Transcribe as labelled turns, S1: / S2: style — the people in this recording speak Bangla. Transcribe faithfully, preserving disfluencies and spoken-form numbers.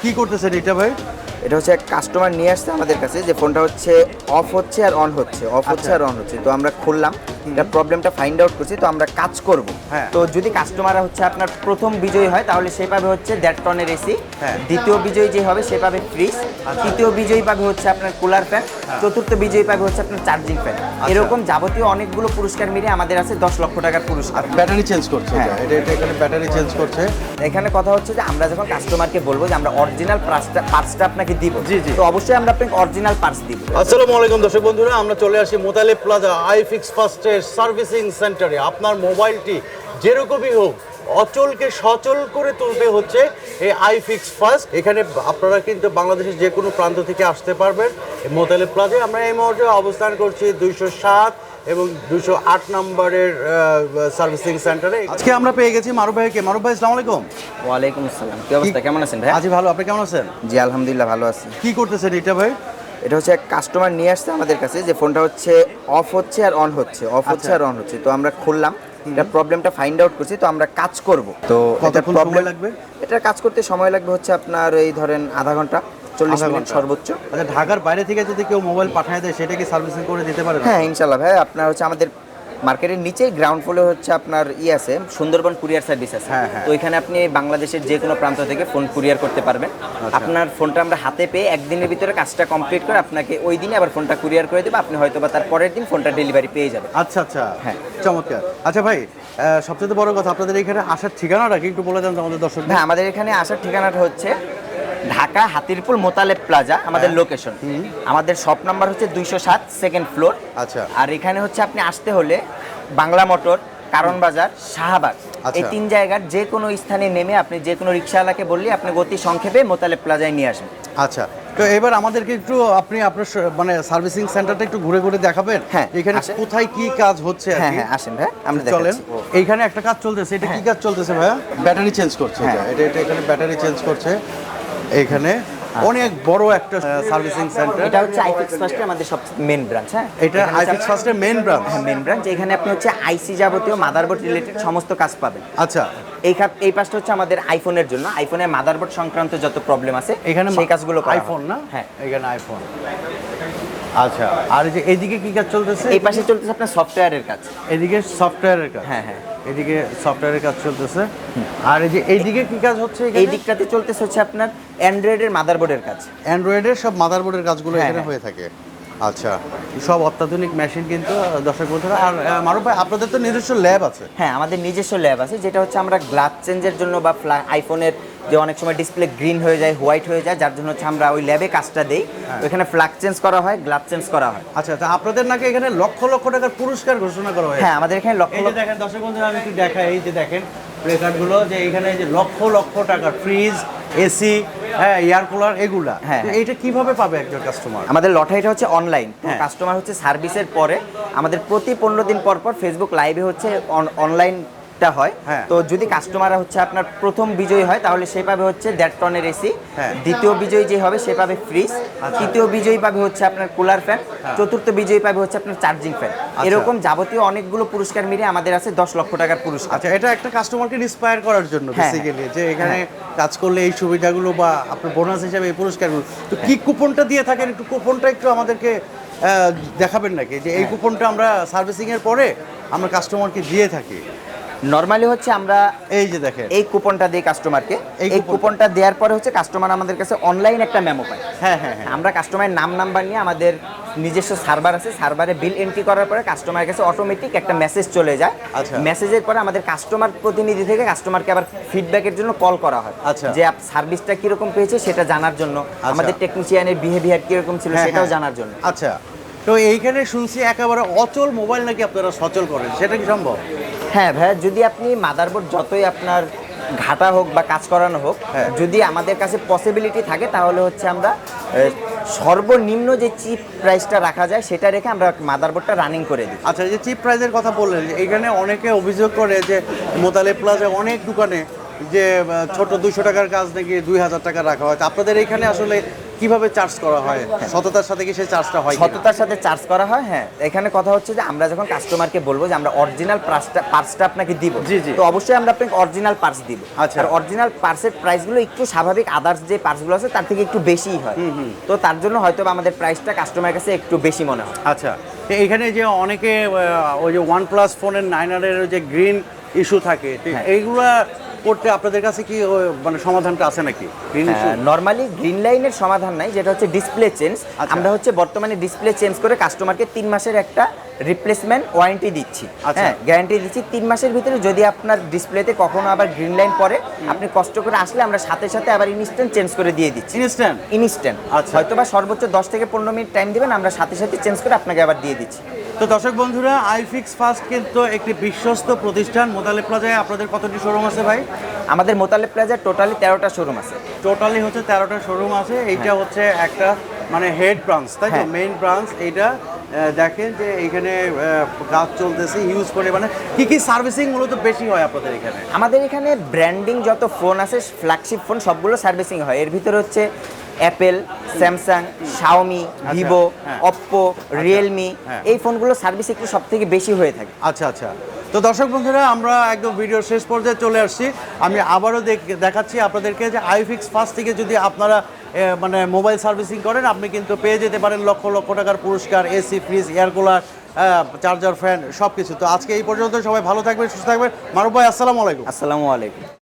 S1: কি করতেছেন এটা ভাই?
S2: এটা হচ্ছে এক কাস্টমার নিয়ে আসছে আমাদের কাছে যে ফোনটা হচ্ছে অফ হচ্ছে আর অন হচ্ছে, অফ হচ্ছে আর অন হচ্ছে। তো আমরা খুললাম, এটা প্রবলেমটা ফাইন্ড আউট করছি, তো আমরা কাজ করব।
S1: হ্যাঁ।
S2: তো যদি কাস্টমার হচ্ছে আপনার প্রথম বিজয়ী হয় তাহলে সে পাবে হচ্ছে দেড় টনের এসি,
S1: হ্যাঁ।
S2: দ্বিতীয় বিজয়ী যে হবে সে পাবে ফ্রিজ, তৃতীয় বিজয়ী পাবে হচ্ছে আপনার কুলার ফ্যান, চতুর্থ বিজয়ী পাবে হচ্ছে আপনার চার্জিং ফ্যান। এরকম যাবতীয় অনেকগুলো পুরস্কার মিলিয়ে আমাদের আছে দশ লক্ষ টাকার পুরস্কার।
S1: ব্যাটারি চেঞ্জ করছে
S2: হ্যাঁ।
S1: এটা, এটা এখানে ব্যাটারি চেঞ্জ করছে।
S2: এখানে কথা হচ্ছে যে আমরা যখন কাস্টমারকে বলবো যে আমরা অরিজিনাল পার্টসটা পার্টসটা আপনাকে দিব,
S1: জি, জি।
S2: তো অবশ্যই আমরা আপনাকে অরিজিনাল পার্টস দিব।
S1: আসসালামু আলাইকুম দর্শক বন্ধুরা, আমরা চলে আসি মোতালেব প্লাজা আইফিক্স ফার্স্টের সার্ভিসিং সেন্টারে। আপনার মোবাইলটি যেরকমই হোক অচলকে সচল করে তুলতে হচ্ছে এই আইফিক্স ফার্স্ট। এখানে আপনারা কিন্তু বাংলাদেশের যে কোনো প্রান্ত থেকে আসতে পারবেন মোতালেব প্লাজায়। আমরা এই মুহূর্তে অবস্থান করছি দুইশো সাত এবং দুইশো আট নম্বরের সার্ভিসিং সেন্টারে। আজকে আমরা পেয়ে গেছি মারুফ ভাইকে। মারুফ ভাই আসসালামু আলাইকুম।
S2: ওয়ালাইকুম আসসালাম, কি অবস্থা, কেমন আছেন ভাই?
S1: আজি ভালো, আপনি কেমন আছেন?
S2: জি আলহামদুলিল্লাহ ভালো আছি।
S1: কি করতেছেন এটা ভাই?
S2: এটা হচ্ছে এক কাস্টমার নিয়ে আসছে আমাদের কাছে যে ফোনটা হচ্ছে অফ হচ্ছে আর অন হচ্ছে, অফ হচ্ছে আর অন হচ্ছে। তো আমরা খুললাম, এটা প্রবলেমটা ফাইন্ড আউট করছি, তো আমরা কাজ করব। তো এটা
S1: কতক্ষণ
S2: প্রবলেম
S1: সময় লাগবে?
S2: এটা কাজ করতে সময় লাগবে হচ্ছে আপনার এই ধরেন আধা ঘন্টা, চল্লিশ
S1: আধা
S2: মিনিট
S1: ঘন্টা।
S2: সর্বোচ্চ।
S1: আচ্ছা, ঢাকার বাইরে থেকে যদি কেউ মোবাইল পাঠায় দেয় সেটা কি সার্ভিসিং করে দিতে পারবে?
S2: হ্যাঁ ইনশাল্লাহ ভাই, আপনার হচ্ছে আমাদের মার্কেটের নিচেই গ্রাউন্ড ফ্লোরে হচ্ছে আপনার ই আছে, সুন্দরবন কুরিয়ার সার্ভিস আছে।
S1: হ্যাঁ, হ্যাঁ।
S2: তো এখানে আপনি বাংলাদেশের যে কোনো প্রান্ত থেকে ফোন কুরিয়ার করতে পারবেন। আপনার ফোনটা আমরা হাতে পেয়ে একদিনের ভিতরে কাজটা কমপ্লিট করে আপনাকে ওই দিনে আবার ফোনটা কুরিয়ার করে দেবো, আপনি হয়তো বা তার পরের দিন ফোনটা ডেলিভারি পেয়ে যাবেন।
S1: আচ্ছা আচ্ছা,
S2: হ্যাঁ।
S1: চমৎকার। আচ্ছা ভাই, আহ, সবচেয়ে বড় কথা আপনাদের এখানে আসার ঠিকানাটা কি একটু বলে দেন তো আমাদের দর্শক?
S2: হ্যাঁ, আমাদের এখানে আসার ঠিকানাটা হচ্ছে ঢাকা হাতিরপুল মোতালেব প্লাজা আমাদের লোকেশন। আমাদের শপ নাম্বার হচ্ছে দুইশো সাত, সেকেন্ড ফ্লোর।
S1: আচ্ছা।
S2: আর এখানে হচ্ছে আপনি আসতে হলে বাংলা মোটর, কারণ বাজার, শাহবাগ,
S1: আচ্ছা।
S2: এই তিন জায়গার যে কোনো স্থানে নেমে আপনি যে কোনো রিক্সাওয়ালাকে বললে আপনি গতি সংক্ষেপে মোতালেব প্লাজায় নিয়ে আসবেন।
S1: আচ্ছা, তো এবার আমাদেরকে একটু আপনি আপনার স- মানে সার্ভিসিং সেন্টারটা একটু ঘুরে ঘুরে দেখাবেন।
S2: হ্যাঁ,
S1: এখানে
S2: আসেন।
S1: কোথায় কি কাজ হচ্ছে আর
S2: হ্যাঁ
S1: কি?
S2: হ্যাঁ আসেন ভাই, আমরা
S1: চলেন।
S2: দেখাচ্ছি।
S1: এইখানে একটা কাজ চলতেছে, এটা কি
S2: হ্যাঁ।
S1: কাজ চলতেছে ভাইয়া? ব্যাটারি চেঞ্জ করছে
S2: হ্যাঁ।
S1: এটা, এটা এটা এখানে ব্যাটারি চেঞ্জ করছে। এইখানে অনেক বড় একটা সার্ভিসিং সেন্টার।
S2: এটা হচ্ছে আইফিক্স ফার্স্টের আমাদের সবচেয়ে মেন ব্রাঞ্চ। হ্যাঁ,
S1: এটা আইফিক্স ফার্স্টের মেইন ব্রাঞ্চ।
S2: হ্যাঁ মেন ব্রাঞ্চ। এখানে আপনি হচ্ছে আইসি যাবতীয় মাদারবোর্ড রিলেটেড সমস্ত কাজ পাবেন।
S1: আচ্ছা,
S2: এই খাত এই পাশটা হচ্ছে আমাদের আইফোনের জন্য, আইফোনের মাদারবোর্ড সংক্রান্ত যত প্রবলেম আছে
S1: এখানে
S2: সেই কাজগুলো করা হয়।
S1: আইফোন না?
S2: হ্যাঁ,
S1: এখানে আইফোন। আচ্ছা, আর এই যে এইদিকে কি কাজ চলতেছে?
S2: এই পাশে চলতেছে আপনার সফটওয়্যারের কাজ।
S1: এদিকে সফটওয়্যারের কাজ।
S2: হ্যাঁ হ্যাঁ,
S1: এদিকে সফটওয়্যারের কাজ চলতেছে। আর এই যে এইদিকে কি কাজ হচ্ছে?
S2: এই দিকটাতে চলতেছে হচ্ছে আপনার অ্যান্ড্রয়েডের মাদারবোর্ডের কাজ।
S1: অ্যান্ড্রয়েডের সব মাদারবোর্ডের কাজগুলো
S2: হ্যাঁ,
S1: এখানে
S2: হ্যাঁ।
S1: হয়ে থাকে। আচ্ছা, সব অত্যাধুনিক মেশিন কিন্তু দর্শক বন্ধুরা। আর আহ, মারুফ ভাই, আপনাদের তো নিজস্ব ল্যাব আছে?
S2: হ্যাঁ, আমাদের নিজস্ব ল্যাব আছে, যেটা হচ্ছে আমরা গ্লাস চেঞ্জের জন্য বা আইফোনের যে অনেক সময় ডিসপ্লে গ্রিন হয়ে যায়, হোয়াইট হয়ে যায়, যার জন্য হচ্ছে আমরা ওই ল্যাবে কাজটা দেই। ওইখানে ফ্ল্যাগ চেঞ্জ করা হয়, গ্লাস চেঞ্জ করা হয়।
S1: আচ্ছা, তা আপনাদের নাকি এখানে লক্ষ লক্ষ টাকার পুরস্কার ঘোষণা করা হয়েছে?
S2: হ্যাঁ, আমাদের এখানে লক্ষ
S1: এই যে
S2: লক্ষ
S1: দেখেন দর্শক বন্ধুরা, আমি একটু দেখাই। এই যে দেখেন প্লেকার্ডগুলো, যে এখানে যে লক্ষ লক্ষ টাকার ফ্রিজ, এসি, হ্যাঁ, এয়ার কুলার, এগুলা।
S2: হ্যাঁ,
S1: তো
S2: হ্যাঁ।
S1: এইটা কিভাবে পাবে একজন কাস্টমার?
S2: আমাদের লটারিটা হচ্ছে অনলাইন।
S1: হ্যাঁ।
S2: কাস্টমার হচ্ছে সার্ভিসের পরে আমাদের প্রতি পনেরো দিন পর পর ফেসবুক লাইভে হচ্ছে অনলাইনটা হয়।
S1: হ্যাঁ।
S2: তো যদি কাস্টমার হচ্ছে আপনার প্রথম বিজয়ী হয় তাহলে সে পাবে হচ্ছে দেড় টনের এসি,
S1: হ্যাঁ।
S2: দ্বিতীয় বিজয়ী যে হবে সে পাবে ফ্রিজ, তৃতীয় বিজয়ী পাবে হচ্ছে আপনার কুলার ফ্যান, চতুর্থ বিজয়ী পাবে হচ্ছে আপনার চার্জিং ফ্যান। এরকম যাবতীয় অনেকগুলো পুরস্কার মিলিয়ে আমাদের আছে দশ লক্ষ টাকার পুরস্কার।
S1: আচ্ছা, এটা একটা কাস্টমারকে ইন্সপায়ার করার জন্য
S2: হ্যাঁ,
S1: বেসিক্যালি, যে এখানে কাজ করলে এই সুবিধাগুলো বা আপনার বোনাস হিসাবে এই পুরস্কারগুলো। তো কি কুপনটা দিয়ে থাকেন, একটু কুপনটা একটু আমাদেরকে আহ, দেখাবেন নাকি, যে এই কুপনটা আমরা সার্ভিসিং এর পরে আমরা কাস্টমারকে দিয়ে থাকি?
S2: নরমালি হচ্ছে আমরা
S1: এই যে দেখেন,
S2: এই কুপনটা দিই কাস্টমারকে।
S1: এই
S2: এই
S1: কুপনটা।
S2: কুপনটা দেওয়ার পরে হচ্ছে কাস্টমার আমাদের কাছে অনলাইন একটা মেমো পায়।
S1: হ্যাঁ হ্যাঁ হ্যাঁ।
S2: আমরা কাস্টমারের নাম নাম্বার নিয়ে আমাদের নিজস্ব সার্ভার আছে, সার্ভারে বিল এন্ট্রি করার পরে কাস্টমারের কাছে অটোমেটিক একটা মেসেজ চলে যায়।
S1: আচ্ছা।
S2: মেসেজের পরে আমাদের কাস্টমার প্রতিনিধি থেকে কাস্টমারকে আবার ফিডব্যাকের জন্য কল করা হয়।
S1: আচ্ছা।
S2: যে আপ সার্ভিসটা কিরকম পেয়েছে সেটা জানার জন্য, আমাদের টেকনিশিয়ানের বিহেভিয়ার কিরকম ছিল
S1: হ্যাঁ,
S2: সেটাও
S1: হ্যাঁ।
S2: জানার জন্য।
S1: আচ্ছা, তো এইখানে শুনছি একেবারে অচল মোবাইল নাকি আপনারা সচল করেন, সেটা কি সম্ভব?
S2: হ্যাঁ ভাইয়া, যদি আপনি মাদারবোর্ড যতই আপনার ঘাটা হোক বা কাজ করানো হোক,
S1: হ্যাঁ।
S2: যদি আমাদের কাছে পসিবিলিটি থাকে তাহলে হচ্ছে আমরা এ, সর্বনিম্ন যে চিপ প্রাইসটা রাখা যায় সেটা রেখে আমরা মাদারবোর্ডটা রানিং করে দিই।
S1: আচ্ছা, এই যে চিপ প্রাইজের কথা বললেন, যে এখানে অনেকে অভিযোগ করে যে মোতালেব প্লাজা অনেক দোকানে যে আহ, ছোট দুইশো টাকার কাজ নাকি দুই হাজার টাকা রাখা হয়। তো আপনাদের এখানে আসলে কিভাবে চার্জ করা হয়? সততার সাথে কি সেই চার্জটা হয় কিনা?
S2: সততার সাথে চার্জ করা হয়। হ্যাঁ, এখানে কথা হচ্ছে যে আমরা যখন কাস্টমারকে বলবো যে আমরা অরিজিনাল পার্সটা পার্সটা আপনাকে দিব,
S1: জি, জি।
S2: তো অবশ্যই আমরা আপনাকে অরিজিনাল পার্স দিব।
S1: আচ্ছা।
S2: আর অরিজিনাল পার্সের প্রাইসগুলো একটু স্বাভাবিক আদার্স যে পার্সগুলো আছে তার থেকে একটু বেশিই হয়। তো তার জন্য হয়তো বা আমাদের প্রাইসটা কাস্টমারের কাছে একটু বেশি মনে হয়।
S1: আচ্ছা, তো এখানে যে অনেকে আহ, ওই যে ওয়ান প্লাস ফোনের নাইন হান্ড্রেডের যে গ্রিন ইস্যু থাকে, তো
S2: হ্যাঁ।
S1: এইগুলা করতে আপনাদের কাছে কি ওই মানে সমাধানটা আছে নাকি গ্রিন ইস্যু?
S2: নর্মালি গ্রিন লাইনের সমাধান নাই, যেটা হচ্ছে ডিসপ্লে চেঞ্জ।
S1: আচ্ছা।
S2: আমরা হচ্ছে বর্তমানে ডিসপ্লে চেঞ্জ করে কাস্টমারকে তিন মাসের একটা রিপ্লেসমেন্ট ওয়ারেন্টি দিচ্ছি।
S1: আচ্ছা।
S2: হ্যাঁ, গ্যারান্টি দিচ্ছি তিন মাসের ভিতরে যদি আপনার ডিসপ্লেতে কখনো আবার গ্রিন লাইন পড়ে, আপনি কষ্ট করে আসলে আমরা সাথে সাথে আবার ইনস্ট্যান্ট চেঞ্জ করে দিয়ে দিচ্ছি।
S1: ইনস্ট্যান্ট?
S2: ইনস্ট্যান্ট।
S1: আচ্ছা।
S2: হয়তো বা সর্বোচ্চ দশ থেকে পনেরো মিনিট টাইম দিবেন, আমরা সাথে সাথে চেঞ্জ করে আপনাকে আবার দিয়ে দিচ্ছি।
S1: তো দর্শক বন্ধুরা, আইফিক্স ফাস্ট কিন্তু একটি বিশ্বস্ত প্রতিষ্ঠান। মোতালেব প্লাজায় আপনাদের কতটি শোরুম আছে ভাই?
S2: আমাদের মোতালেব প্লাজার টোটালি তেরোটা শোরুম আছে।
S1: টোটালি হচ্ছে তেরোটা শোরুম আছে। এইটা হচ্ছে একটা মানে হেড ব্রাঞ্চ, তাই তো?
S2: হ্যাঁ।
S1: মেইন ব্রাঞ্চ এইটা। আহ, দেখেন যে এখানে আহ, কাজ চলতেছে হিউজ পরিমাণে। কি কি সার্ভিসিং মূলত বেশি হয় আপনাদের এখানে?
S2: আমাদের এখানে ব্র্যান্ডিং যত ফোন আছে, ফ্ল্যাগশিপ ফোন সবগুলো সার্ভিসিং হয়। এর ভিতরে হচ্ছে অ্যাপেল, স্যামসাং, শাওমি, ভিভো,
S1: হ্যাঁ।
S2: অপ্পো, রিয়েলমি,
S1: হ্যাঁ।
S2: এই ফোনগুলো সার্ভিস একটু সব থেকে বেশি হয়ে থাকে।
S1: আচ্ছা আচ্ছা। তো দর্শক বন্ধুরা, আমরা একদম ভিডিওর শেষ পর্যায়ে চলে আসছি। আমি আবারও দেখ- দেখাচ্ছি আপনাদেরকে যে আইফিক্স ফাস্ট থেকে যদি আপনারা এ, মানে মোবাইল সার্ভিসিং করেন, আপনি কিন্তু পেয়ে যেতে পারেন লক্ষ লক্ষ টাকার পুরস্কার, AC, fridge, air cooler, charger, fan সব কিছু। তো আজকে এই পর্যন্ত, সবাই ভালো থাকবেন, সুস্থ থাকবেন। মারুফ ভাই, আসসালামু আলাইকুম।
S2: আসসালামু আলাইকুম।